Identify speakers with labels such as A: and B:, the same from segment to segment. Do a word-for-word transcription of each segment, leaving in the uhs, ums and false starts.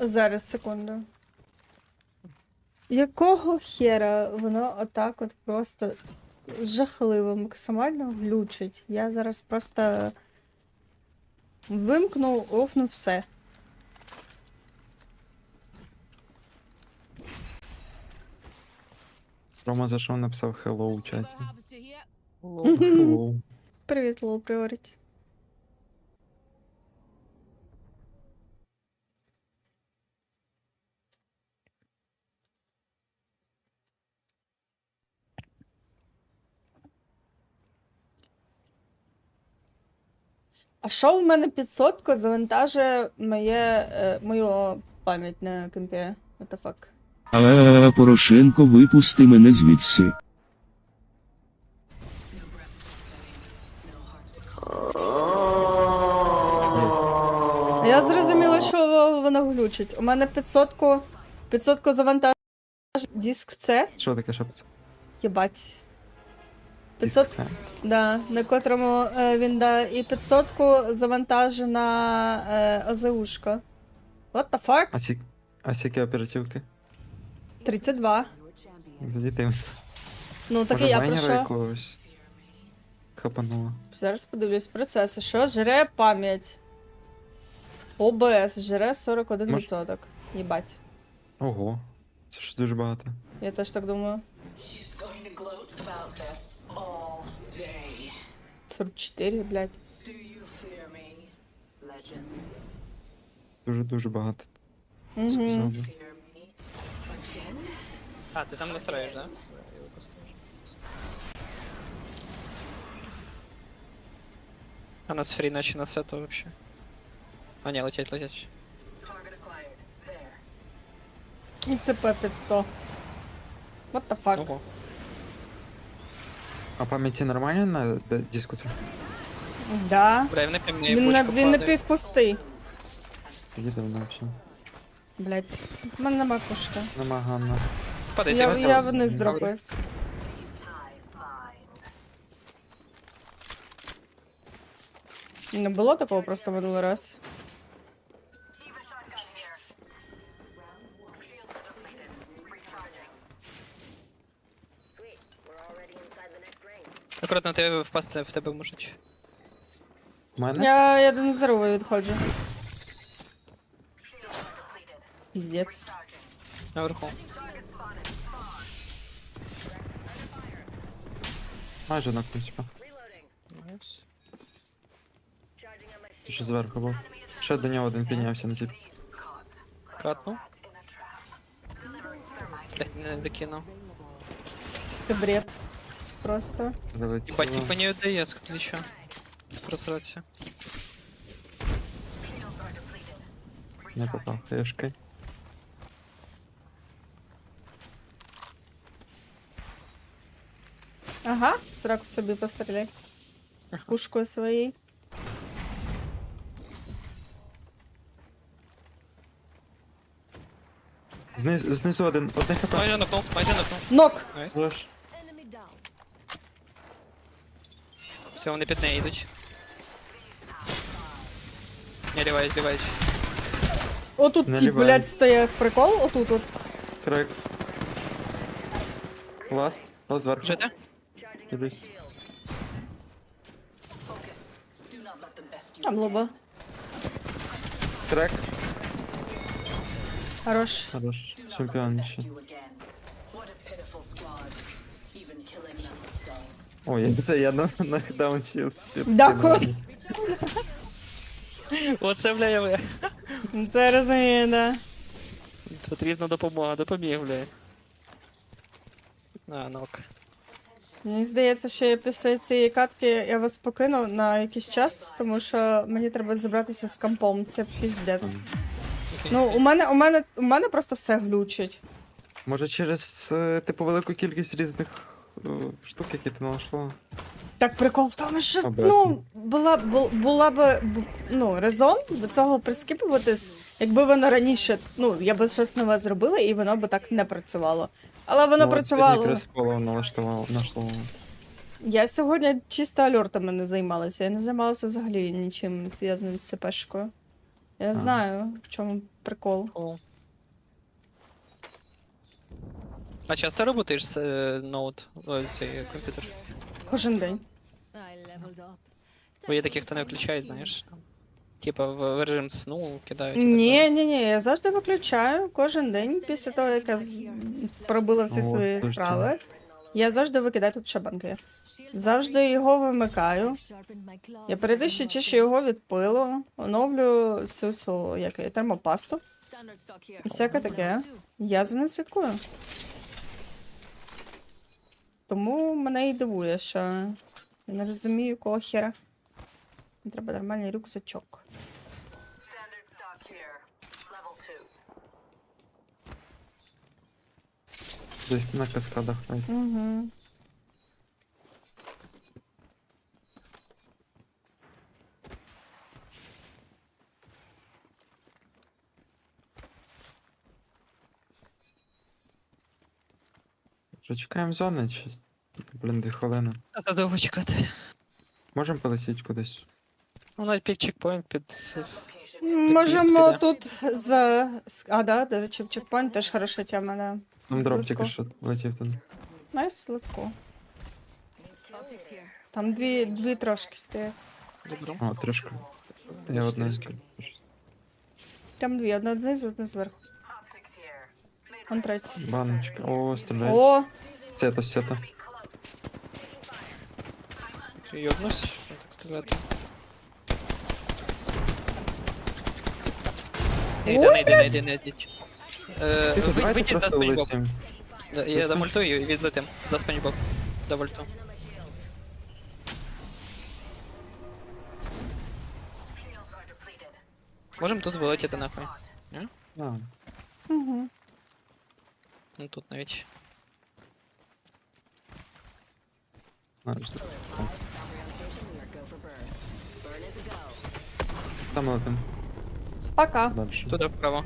A: Зараз, секунду. Якого хера воно отак от просто жахливо, максимально глючить? Я зараз просто вимкну, офну все.
B: Рома зайшов, написав hello у чаті.
C: Лол.
B: Hello.
A: Привіт, Лоу Пріоріті. А що в мене підсотка завантажує моє, е, мою пам'ять на компі? What the fuck?
D: Але Порошенко, випусти мене звідси.
A: А я зрозуміла, що воно глючить. У мене підсотку, підсотку завантажує диск С.
B: Що таке шапці?
A: Єбать. п'ятсот,
B: Це.
A: да, на котрому е, він да, і підсотку завантажена е, ОЗУшка. What the fuck?
B: А сі... А сіки оперативки?
A: тридцять два.
B: Задіти.
A: Ну, так і
B: Може,
A: я про
B: майнера
A: що.
B: якогось хапануло.
A: Зараз подивлюсь процеси. Що жре пам'ять? О Б С жре сорок один відсоток. Єбать.
B: Ого. Це ж дуже багато.
A: Я теж так думаю.
E: He's going to gloat about this all day.
A: сорок чотири, блядь.
E: Do you fear me, legends?
B: Дуже-дуже багато.
A: Угу.
B: Зробив.
E: Fear me again?
C: А, ти там настроїш, да? Я його поставлю. А нас фрі наче на сету вообще. А, не, летять, летять.
E: Target acquired. There.
A: І це П п'ять сто. What the fuck?
C: Ого.
B: А пам'яті нормально на д- диску це?
A: Да.
C: Бля, він не мені
A: Він, на,
C: бочку
A: він
C: падає.
A: напівпустий.
B: Їде вона взагалі.
A: Блять. У мене нема кушка.
B: Нема Ганна.
C: Падайте,
A: Я,
C: ви
A: я
C: там.
A: вниз дропаюсь.
E: These ties bind.
A: Не було такого просто минулий раз. Піздець.
C: Акуратно, ти впасти, в тебе можуть.
B: У мене?
A: Я, я до нездорової відходжу. Піздець.
C: Наверху.
B: Майже нокнув, типа.
C: Найс.
B: Ти ще зверху був. Ще до нього один піднявся на тип.
C: Катну. Блять, не докинув.
A: Це бред. Просто.
B: Прилетіло.
C: Ебать, типа не ОДС, кто еще? Просраться.
B: Не попав хешкой.
A: Ага, сраку собі постріляй. Пушкою своєю.
B: Знизу, знизу один, одне хп.
C: Майже нокнув, майже нокнув.
A: Нок!
C: Найс.
B: Злож.
C: Все, вони під неї йдуть. Не, лівають, лівають.
A: Отут
B: Не
A: ті,
B: ліваю.
A: блядь, стояв прикол, отут от.
B: Трек. Ласт. Ласт зверху.
C: Жити?
B: Кидаюсь.
E: Focus. Do not let them best you.
A: Там лоба.
B: Трек.
A: Хорош.
B: Хорош.
E: Do not let
B: Чемпіон
E: them
B: ще.
E: best you again. What a pitiful squad. Even killing them was dull.
B: Ой, це я на, на дауншілд.
A: Дякую.
C: Оце, бля, я, бля.
A: Це розумію, да.
C: Потрібна допомога, допоміг, бля. А, нок.
A: Мені здається, що я після цієї катки я вас покину на якийсь час, тому що мені треба забратися з компом. Це піздець.
C: Окей.
A: Ну, у мене, у мене, у мене просто все глючить.
B: Може через, е, типу, велику кількість різних е, штук, які ти знайшла?
A: Так прикол в тому, що
B: Образно.
A: ну, була, бу- була б бу- ну, резон до цього прискіпуватись, якби воно раніше, ну, я б щось нове зробила, і воно б так не працювало. Але воно працювало.
B: Якраз поло налаштувало, нашло.
A: Я сьогодні чисто альортами не займалася. Я не займалася взагалі нічим зв'язаним з ЦПшкою. Я знаю, в чому прикол.
C: О. А часто работаєш з е, ноут, ой, цей комп'ютер?
A: Кожен день.
C: Бо є такі, хто не включають, знаєш. там. Типа в в режим сну кидають. і так
A: Ні,
C: далі.
A: ні, ні, я завжди виключаю кожен день після того, як я з... пробила всі
B: О,
A: свої
B: точно.
A: справи. Я завжди викидаю тут шабанки. Завжди його вимикаю. Я періодично чищу його від пилу, оновлю цю цю як її, термопасту. І всяке таке. Я за ним слідкую. Тому мене і дивує, що я не розумію, кого хера. Мені треба нормальний рюкзачок.
E: Standard stock here. Level two.
B: Десь на каскадах навіть.
A: Угу.
B: Вже чекаємо зони чи. Блін, дві хвилини.
C: А то довго чекати.
B: Можемо полетіти кудись.
C: Ну, навіть під чекпоінт, під...
E: Location.
A: Можемо
C: піде.
A: тут з... з- А, да, до речі, чекпоінт теж хороша тема, да.
B: Там дроп
A: Let's
B: тільки
A: go.
B: що летів туди.
A: Найс, let's go. Там дві, дві трошки стоять.
C: Добро.
B: О, трішки. Я одна.
C: Чотириськи.
A: Там дві, одна знизу, одна зверху.
E: Optics here.
A: Он третя.
B: Баночка. О, стріляють.
A: О,
B: Сета, сета.
C: Ти йобнувся, що так стріляти? Не йди,
A: Ой,
C: не йди, не йди, не йди. Е,
B: Тихо,
C: ви-
B: давайте
C: Вийдіть за
B: просто
C: спанчбоб.
B: улетім.
C: Да, Я
B: За
C: домультую і відлетим. За спанчбоб. До вольту.
E: Shields are depleted.
C: Можемо тут вилетіти нахуй.
B: А,
A: угу.
C: Ну тут навіть.
B: знаєш. О. Там летим.
A: Пока.
B: Дальше.
C: Туди вправо.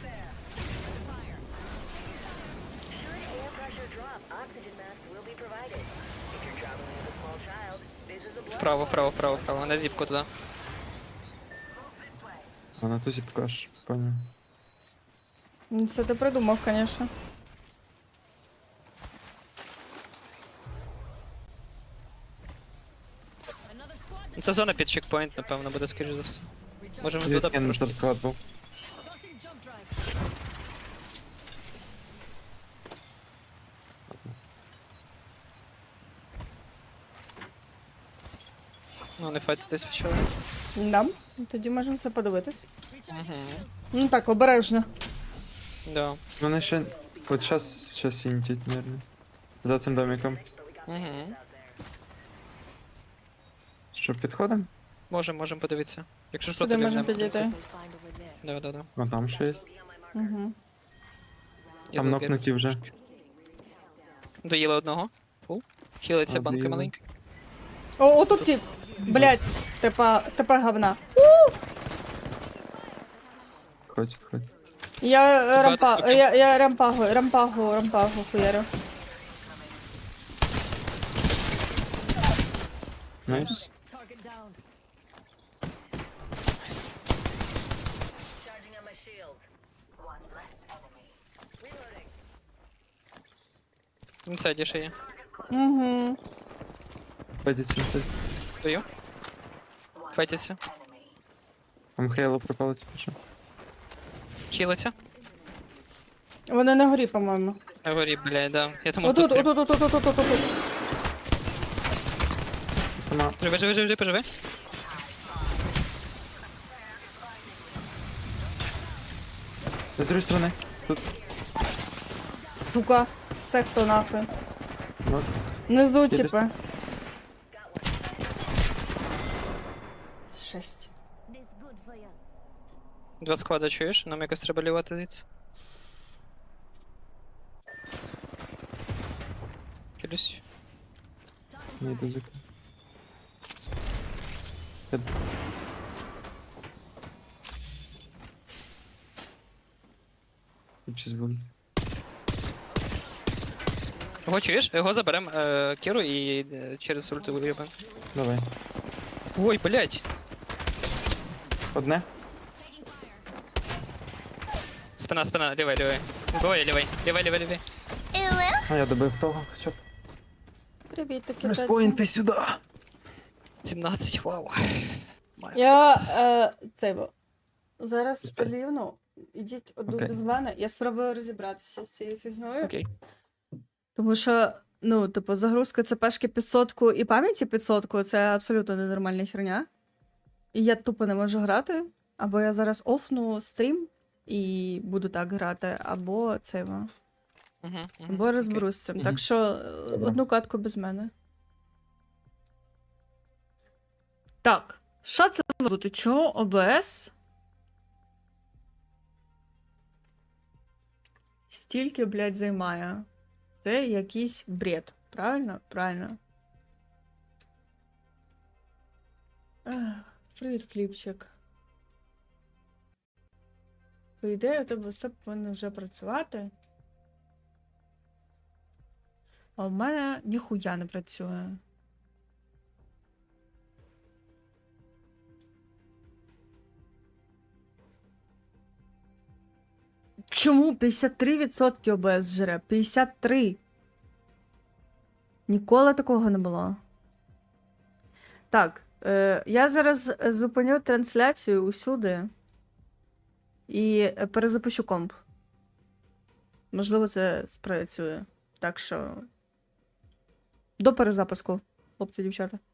F: Air pressure drop. Oxygen mask will be provided. If you're traveling with a small child, this is a blood
C: Вправо, вправо, вправо, вправо. На зіпку туди.
B: А на тузі покажеш, поняв.
A: Ну, це ти придумав, звісно.
C: Це зона під чекпоінт, напевно, буде скоріш за все. Можемо туди
B: Відкинути
C: трошки.
B: склад був.
C: Ну, не файтитись почали.
A: Да. Тоді можемо все подивитись.
C: Угу.
A: Ну так, обережно.
C: Да.
B: Вони ще. От щас, щас інтять, наверное. За цим домиком.
C: Угу.
B: Що, підходимо?
C: Можемо, можемо подивитися. Якщо що,
A: Сюди
C: то
A: можна
C: вільнемо, в
A: підійти.
C: принципі. Да, да, да.
B: О, там ще є.
A: Угу.
C: Я
B: Там
C: тут
B: нокнуті вже.
C: трошки. Доїли одного. Фул. Хілиться
B: А,
C: банка
B: доїли.
C: маленька.
A: О, отут ці. Блять, типа, типа говна.
B: Ходь, ходь.
A: Я е, рампа,
C: скільки?
A: я, я рампагу, рампагу, рампагу хуярю.
B: Найс.
E: Charging on my shield. One less enemy. Reloading.
C: Інсайді ще є.
A: Угу.
B: Пойдіть сінсить.
C: Даю. Файтиться.
E: Enemy.
B: Там Хейло пропало тільки що.
C: Хілиться.
A: Вони на горі, по-моєму.
C: На горі, блядь, да. Я думав,
A: Отут,
C: тут прям.
A: отут, отут, отут, отут, отут.
B: Сама.
C: Живи, живи, живи, поживи.
B: З другої сторони. Тут.
A: Сука. Це хто нахуй?
B: Нок.
A: Внизу,
B: Їдеш?
A: типа. Шесть.
C: Два склада чуєш? Нам якось треба лівати звідси. Кілюсь.
B: Не йду звідти. Чи буде?
C: Його чуєш? Його заберем е, Кіру і е, через ульту виїбем.
B: Давай.
C: Ой, блядь.
B: Одне.
C: Спина, спина, лівий, лівий. Двоє, лівий. Лівий, лівий, лівий.
B: А я добив того, хоча б.
A: Привіт, такі
B: Респойнти сюди.
C: сімнадцять, вау. Маю.
A: Я е, це бо, зараз спалівну. Ідіть одну
B: Окей.
A: без мене. Я спробую розібратися з цією фігньою.
C: Окей.
A: Тому що, ну, типу, загрузка ЦПшки під сотку і пам'яті під сотку це абсолютно ненормальна херня. І я тупо не можу грати. Або я зараз офну стрім і буду так грати, або це. во.
C: Угу, угу.
A: Або розберусь з цим.
B: Мгм.
A: Так що е, одну катку без мене. Так, що це може бути? Чого ОБС? Стільки, блядь, займає. Це якийсь бред. Правильно? Правильно. Ех, привіт, хлібчик. По ідеї, у тебе все повинно вже працювати. А в мене ніхуя не працює. Чому п'ятдесят три відсотки ОБС жре? п'ятдесят три. Ніколи такого не було. Так, е, я зараз зупиню трансляцію усюди і перезапущу комп. Можливо, це спрацює. Так що. До перезапуску, хлопці, дівчата.